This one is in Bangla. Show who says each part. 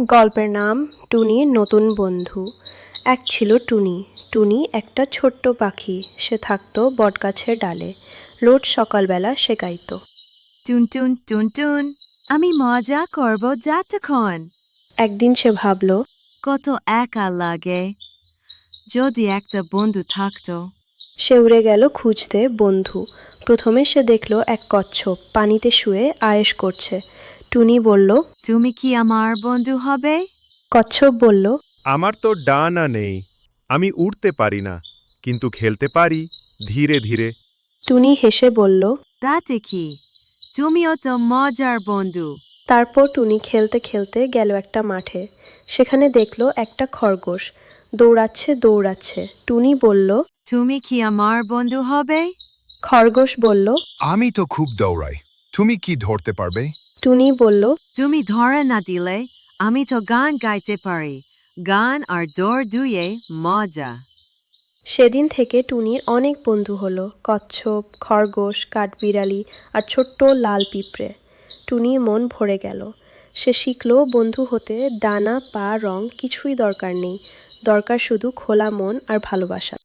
Speaker 1: গল্পের নাম টুনির নতুন বন্ধু। এক ছিল টুনি। টুনি একটা ছোট্ট পাখি। সে থাকতো বটগাছের ডালে। রোজ সকালবেলা সে গাইত।
Speaker 2: টুনটুন টুনটুন, আমি মজা করব যতক্ষণ।
Speaker 1: একদিন সে ভাবল,
Speaker 2: কত একা লাগে, যদি একটা বন্ধু থাকতো।
Speaker 1: সে উড়ে গেল খুঁজতে বন্ধু। প্রথমে সে দেখল এক কচ্ছপ পানিতে শুয়ে আয়েশ করছে। টুনি বলল,
Speaker 2: তুমি কি আমার বন্ধু হবে?
Speaker 1: কচ্ছপ বলল,
Speaker 3: আমার তো ডানা নেই, আমি উড়তে পারি না, কিন্তু খেলতে পারি ধীরে ধীরে।
Speaker 1: টুনি হেসে বলল।
Speaker 2: তাতে কি, তুমিও তো মজার বন্ধু।
Speaker 1: তারপর টুনি খেলতে খেলতে গেল একটা মাঠে। সেখানে দেখলো একটা খরগোশ দৌড়াচ্ছে। টুনি বলল,
Speaker 2: তুমি কি আমার বন্ধু হবে?
Speaker 1: খরগোশ বলল।
Speaker 4: আমি তো খুব দৌড়াই, তুমি কি ধরতে পারবে?
Speaker 1: টুনি বলল,
Speaker 2: তুমি ধরে না দিলে আমি তো গান গাইতে পারি। গান আর দৌড় দুয়ে মজা।
Speaker 1: সেদিন থেকে টুনির অনেক বন্ধু হলো, কচ্ছপ, খরগোশ, কাঠবিড়ালি আর ছোট্ট লাল পিঁপড়ে। টুনির মন ভরে গেল। সে শিখলো বন্ধু হতে ডানা পা রং কিছুই দরকার নেই, দরকার শুধু খোলা মন আর ভালোবাসা।